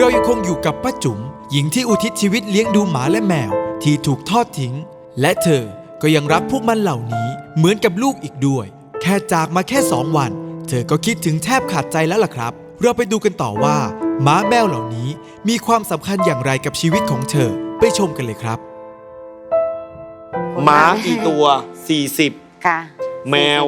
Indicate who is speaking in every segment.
Speaker 1: เรายังคงอยู่กับป้าจุ๋มหญิงที่อุทิศชีวิตเลี้ยงดูหมาและแมวที่ถูกทอดทิ้งและเธอก็ยังรักพวกมันเหล่านี้เหมือนกับลูกอีกด้วยแค่จากมาแค่2 วันเธอก็คิดถึงแทบขาดใจแล้วล่ะครับเราไปดูกันต่อว่าหมาแมวเหล่านี้มีความสำคัญอย่างไรกับชีวิตของเธอไปชมกันเลยครับ
Speaker 2: หมากี่ตัว40
Speaker 3: ค่ะ
Speaker 2: แมว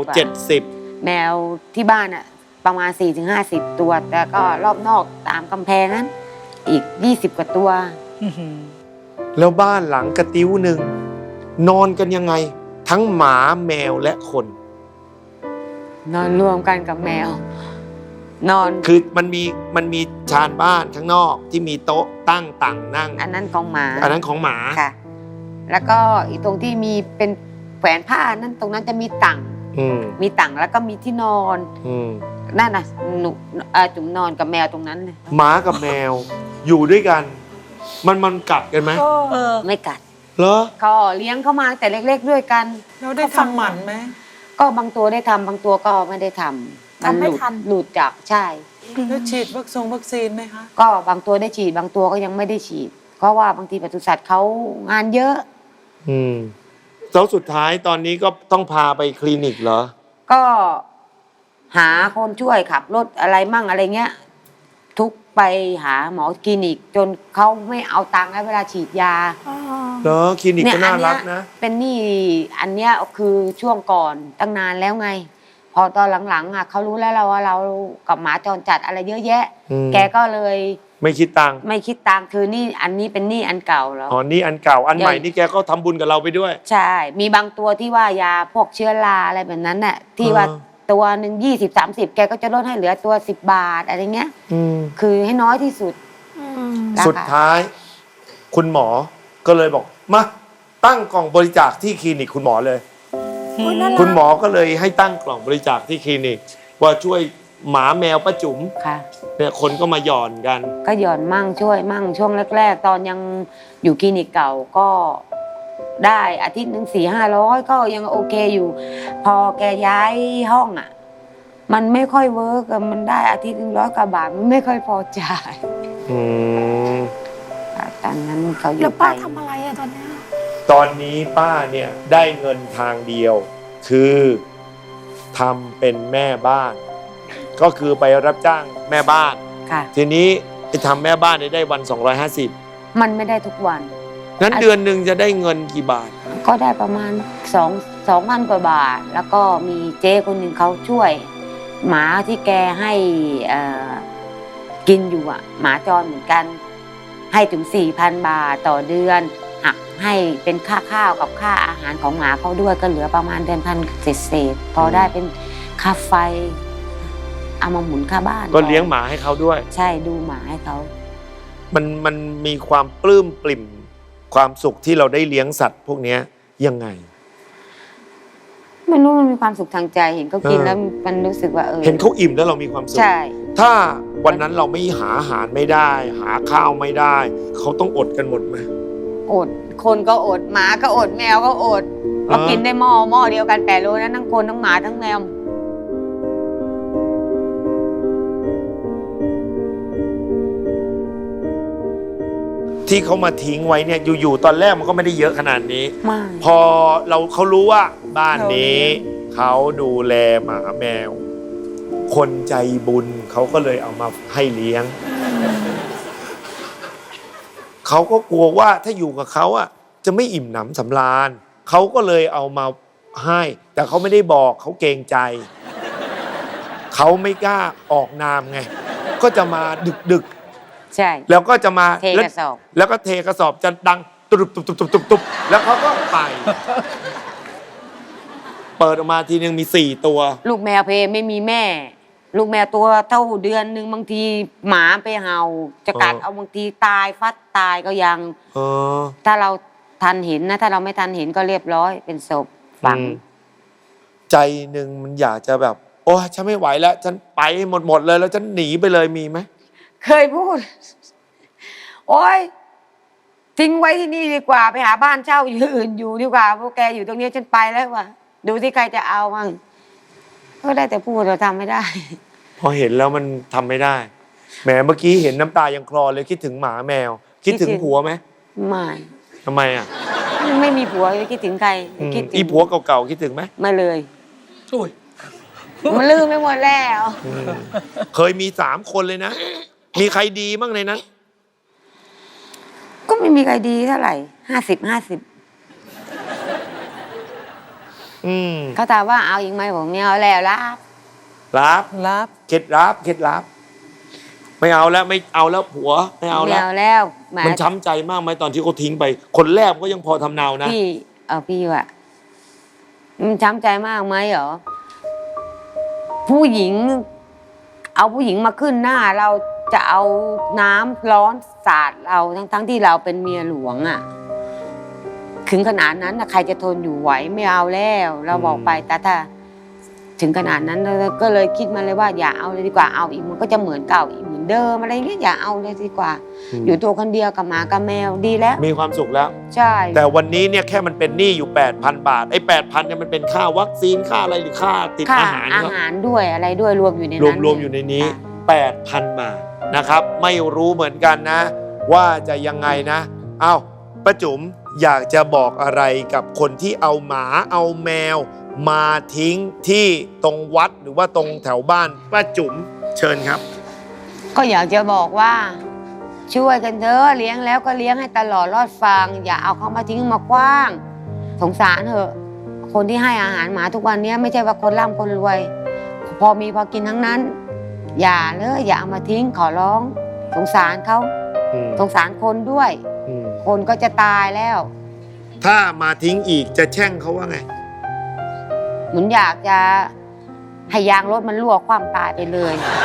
Speaker 2: 70
Speaker 3: แมวที่บ้านอ่ะประมาณ40-50 ตัวแต่ก็รอบนอกตามกำแพงนั้นอีก20 กว่าตัว
Speaker 2: แล้วบ้านหลังกระติ้วหนึ่งนอนกันยังไงทั้งหมาแมวและคน
Speaker 3: นอนรวมกันกับแมว นอน
Speaker 2: คือมันมีชานบ้านข้างนอกที่มีโต๊ะตั้งต่างนั่ง
Speaker 3: อันนั้นของหมา
Speaker 2: อันนั้นของหมา
Speaker 3: ค่ะแล้วก็อีกตรงที่มีเป็นแขวนผ้านั้นตรงนั้นจะมีตั่งมีตั่งแล้วก็มีที่นอนนั่นน่ะหนูจุ๋มนอนกับแมวตรงนั้นเลย
Speaker 2: หมากับแมวอยู่ด้วยกันมันกัดกันไหม
Speaker 3: ไม่กัด
Speaker 2: เหรอ
Speaker 3: ก็เลี้ยงเข้ามาแต่เล็กๆด้วยกัน
Speaker 4: เราได้ทำหมันไหม
Speaker 3: ก็บางตัวได้ทำบางตัวก็ไม่ได้ทำมันหลุดจากใช่
Speaker 4: แล้วฉีดวัคซีนไหมคะ
Speaker 3: ก็บางตัวได้ฉีดบางตัวก็ยังไม่ได้ฉีดเพราะว่าบางทีปศุสัตว์เขางานเยอะ
Speaker 2: แล้วสุดท้ายตอนนี้ก็ต้องพาไปคลินิกเหรอ
Speaker 3: ก็หาคนช่วยขับรถอะไรมั่งอะไรเงี้ยทุกไปหาหมอคลินิกจนเขาไม่เอาตังค์ให้เวลาฉีดยา
Speaker 2: เหรอคลินิกก็น่ารักนะ
Speaker 3: เป็นนี่อันเนี้ยคือช่วงก่อนตั้งนานแล้วไงพอตอนหลังๆอ่ะเขารู้แล้วว่าเรากับหมาจรจัดอะไรเยอะแยะแกก็เลย
Speaker 2: ไม่คิดตังค์
Speaker 3: คือนี่อันนี้เป็นนี่อันเก่าแล้ว
Speaker 2: อ๋อนี่อันเก่าอันใหม่นี่แกก็ทำบุญกับเราไปด้วย
Speaker 3: ใช่มีบางตัวที่ว่ายาพวกเชื้อราอะไรแบบนั้นน่ะที่ว่าตัวหนึ่ง20-30แกก็จะลดให้เหลือตัว10 บาทอะไรเงี้ยคือให้น้อยที่สุด
Speaker 2: สุดท้ายคุณหมอก็เลยบอกมาตั้งกล่องบริจาคที่คลินิกคุณหมอเลยคุณหมอก็เลยให้ตั้งกล่องบริจาคที่คลินิกว่าช่วยหมาแมวป้าจุ๋มเนี่ยคนก็มาหย่อนกัน
Speaker 3: ก็หย่อนมั่งช่วยมั่งช่วงแรกๆตอนยังอยู่คลินิกเก่าก็ได้อาทิตย์หนึ่ง400-500ก็ยังโอเคอยู่พอแกย้ายห้องอ่ะมันไม่ค่อยเวิร์กมันได้อาทิตย์นึง100 กว่าบาทมันไม่ค่อยพอจ่ายตอนนั้นเขาอยู่
Speaker 5: แล้วป้าทำอะไรอะ
Speaker 2: ตอนนี้ป้าเนี่ยได้เงินทางเดียวคือทำเป็นแม่บ้านก็คือไปรับจ้างแม่บ้านทีนี้ไปทำแม่บ้านได้วัน250
Speaker 3: มันไม่ได้ทุกวัน
Speaker 2: งั้นเดือนหนึ่งจะได้เงินกี่บาท
Speaker 3: ก็ได้ประมาณ2,000 กว่าบาทแล้วก็มีเจ๊คนหนึ่งเขาช่วยหมาที่แกให้กินอยู่อ่ะหมาจรเหมือนกันให้ถึง 4,000 บาทต่อเดือนหักให้เป็นค่าข้าวกับค่าอาหารของหมาเขาด้วยก็เหลือประมาณเดือน1,000เศษพอได้เป็นค่าไฟเอามาหมุนค่าบ้าน
Speaker 2: ก็เลี้ยงหมาให้เขาด้วย
Speaker 3: ใช่ดูหมาให้เขา
Speaker 2: มันมีความปลื้มปริ่มความสุขที่เราได้เลี้ยงสัตว์พวกนี้ยังไง
Speaker 3: ไม่รู้มันมีความสุขทางใจเห็นเขากินแล้วมันรู้สึกว่า
Speaker 2: เห็นเขาอิ่มแล้วเรามีความสุข
Speaker 3: ใช่
Speaker 2: ถ้าวันนั้นเราไม่หาอาหารไม่ได้หาข้าวไม่ได้เขาต้องอดกันหมดไหม
Speaker 3: อดคนก็อดหมาก็อดแมวก็อดเรากินได้หม้อเดียวกัน8 โลนะทั้งคนทั้งหมาทั้งแมว
Speaker 2: ที่เขามาทิ้งไว้เนี่ยอยู่ๆตอนแรกมันก็ไม่ได้เยอะขนาดนี้พอเขารู้ว่าบ้านนี้เขาดูแลหมาแมวคนใจบุญเขาก็เลยเอามาให้เลี้ยงเขาก็กลัวว่าถ้าอยู่กับเขาอ่ะจะไม่อิ่มหนำสำราญเขาก็เลยเอามาให้แต่เขาไม่ได้บอกเขาเกรงใจเขาไม่กล้าออกนามไงก็จะมาดึก
Speaker 3: ใช่
Speaker 2: แล้วก็จะมา
Speaker 3: เทกระสอบ
Speaker 2: แล้วก็เทกระสอบจะดังตุบแล้วเขาก็ไปเปิดออกมาทีนึงมี4 ตัว
Speaker 3: ลูกแมวเพไม่มีแม่ลูกแมวตัวเท่าเดือนนึงบางทีหมาไปเห่าจะกัดเอาบางทีตายฟัดตายก็ยังถ้าเราทันเห็นนะถ้าเราไม่ทันเห็นก็เรียบร้อยเป็นศพฝัง
Speaker 2: ใจหนึ่งมันอยากจะแบบโอ้ฉันไม่ไหวแล้วฉันไปหมดเลยแล้วฉันหนีไปเลยมีไหม
Speaker 3: เคยพูดโอ๊ยทิ้งไว้ที่นี่ดีกว่าไปหาบ้านเช่าอยู่อื่นอยู่ดีกว่าพวกแกอยู่ตรงนี้ฉันไปแล้วว่ะดูที่ใครจะเอามั่งก็ได้แต่พูดเราทำไม่ได้
Speaker 2: พอเห็นแล้วมันทำไม่ได้แหมเมื่อกี้เห็นน้ำตายังคลอเลยคิดถึงหมาแมว คิดถึงผัวไหม
Speaker 3: ไม่
Speaker 2: ทำไมอ่ะ
Speaker 3: ไม่มีผัวจะคิดถึงใครคิดถึง
Speaker 2: อีผัวเก่าๆคิดถึงไหม
Speaker 3: ไม่เลย
Speaker 4: อุ้ย
Speaker 3: มันลืมไปหมดแล้ว
Speaker 2: เคยมี3 คนเลยนะ มีใครดีบ้างในนั้น
Speaker 3: ก็ไม่มีใครดีเท่าไหร่50 เขาถามว่าเอาอีกไหมผมไม่เอาแล้วละ
Speaker 2: รับ
Speaker 4: รับ
Speaker 2: เคล็ดลับไม่เอาแล้วไม่เอาแล้วผัวไม่เอา
Speaker 3: ไม่
Speaker 2: แล้ว
Speaker 3: เอาแล้วแห
Speaker 2: มันช้ำใจมากไหมตอนที่เขาทิ้งไป คนแรกมันก็ยังพอทำเนานะ
Speaker 3: พี่ว่ะมันช้ำใจมากไหมเหรอผู้หญิง เอาผู้หญิงมาขึ้นหน้าเราจะเอาน้ำร้อนสาดเราทั้งที่เราเป็นเมียหลวงอ่ะถึงขนาดนั้นนะใครจะทนอยู่ไหวไม่เอาแล้ว เราบอกไปแต่ถ้าถึงขนาดนั้นเราก็เลยคิดมาเลยว่าอย่าเอาเลยดีกว่าเอาอีกมันก็จะเหมือนเก่าอีกเหมือนเดิมอะไรเงี้ยอย่าเอาเลยดีกว่า อยู่ตัวคนเดียวกับหมากับแมวดีแล้ว
Speaker 2: มีความสุขแล้ว
Speaker 3: ใช่
Speaker 2: แต่วันนี้เนี่ยแค่มันเป็นหนี้อยู่ 8,000 บาทไอ้ 8,000เนี่ยมันเป็นค่าวัคซีนค่าอะไรหรือค่าติด
Speaker 3: ค่า
Speaker 2: อาหาร
Speaker 3: อา
Speaker 2: ครับ
Speaker 3: หารด้วยอะไรด้วยรวมอยู่ใน
Speaker 2: รว
Speaker 3: นั้
Speaker 2: ม
Speaker 3: น
Speaker 2: รวมอยู่ในนี้
Speaker 3: ค่ะ
Speaker 2: 8,000 บาทนะครับ ไม่รู้เหมือนกันนะ ว่าจะยังไงนะ เอ้าป้าจุ๋มอยากจะบอกอะไรกับคนที่เอาหมาเอาแมว มาทิ้งที่ตรงวัดหรือว่าตรงแถวบ้านป้าจุ๋มเชิญครับ
Speaker 3: ก็อยากจะบอกว่า ช่วยกันเถอะเลี้ยงแล้วก็เลี้ยงให้ตลอดรอดฟัง อย่าเอาเขามาทิ้งมากว้าง สงสารเถอะ คนที่ให้อาหารหมาทุกวันนี้ไม่ใช่ว่าคนร่ำคนรวย พอมีพอกินทั้งนั้น อย่าเลยอย่าเอามาทิ้งขอร้อง สงสารเขา
Speaker 2: อืม
Speaker 3: สงสารคนด้วย
Speaker 2: อืม
Speaker 3: คนก็จะตายแล้ว
Speaker 2: ถ้ามาทิ้งอีกจะแช่งเขาว่าไง
Speaker 3: เหมือนอยากจะให้ยางรถมันรั่วความตายไปเลย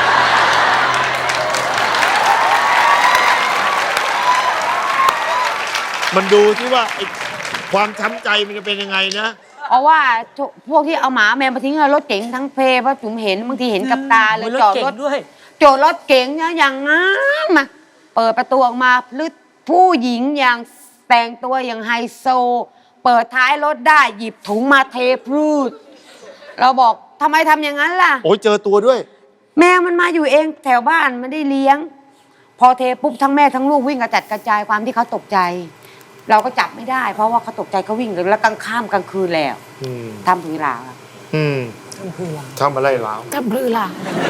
Speaker 2: มันดูที่ว่าไอ้ความช้ำใจมันจะเป็นยังไงนะ
Speaker 3: เพราะว่าพวกที่เอาหมาแมวมาทิ้งรถเก๋งทั้งเพเพราะจุ๋มเห็นบางทีเห็นกับตาเลย
Speaker 4: รถ
Speaker 3: จอด
Speaker 4: เก่
Speaker 3: รง ถ
Speaker 4: ด้วย
Speaker 3: จอดรถเก๋งเนี่ยอย่างงั้นมาเปิดประตูออกมาพลึดผู้หญิงอย่างแต่งตัวอย่างไฮโซ เปิดท้ายรถได้หยิบถุงมาเทพืชเราบอกทำไมทำอย่างนั้นล่ะ
Speaker 2: โอ้ยเจอตัวด้วย
Speaker 3: แมวมันมาอยู่เองแถวบ้านไม่ได้เลี้ยง พอเทปุ๊บทั้งแม่ทั้งลูกวิ่งกระจัดกระจายความที่เขาตกใจ เราก็จับไม่ได้ เพราะว่าเขาตกใจเขาวิ่งแล้วกลางค่ำกลางคืนแล้ว
Speaker 2: อืม
Speaker 3: ทำผือหลา
Speaker 2: อืมทำอะไรแล้ว
Speaker 3: ทำผือหลา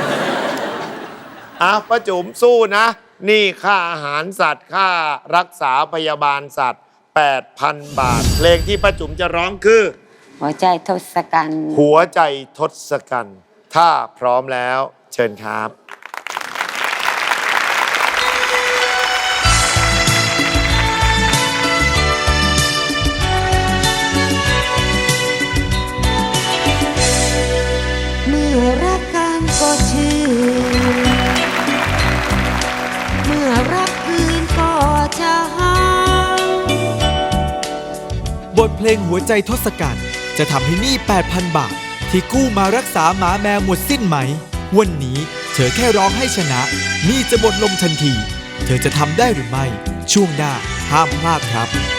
Speaker 2: ป้าจุ๋มสู้นะ นี่ค่าอาหารสัตว์ค่ารักษาพยาบาลสัตว์ 8,000 บาท เพลงที่ป้าจุ๋มจะร้องคือ
Speaker 3: หัวใจทศกัณฐ์
Speaker 2: หัวใจทศกัณฐ์ถ้าพร้อมแล้ว เชิญครับ
Speaker 3: เมื่อรักกันก็ชื่อ เมื่อรักคืนก็ช้า
Speaker 1: บทเพลงหัวใจทศกัณฐ์จะทำให้หนี้ 8,000 บาท ที่กู้มารักษาหมาแมวหมดสิ้นไหม วันนี้เธอแค่ร้องให้ชนะหนี้จะหมดลงทันที เธอจะทำได้หรือไม่ ช่วงหน้าห้ามพลาดครับ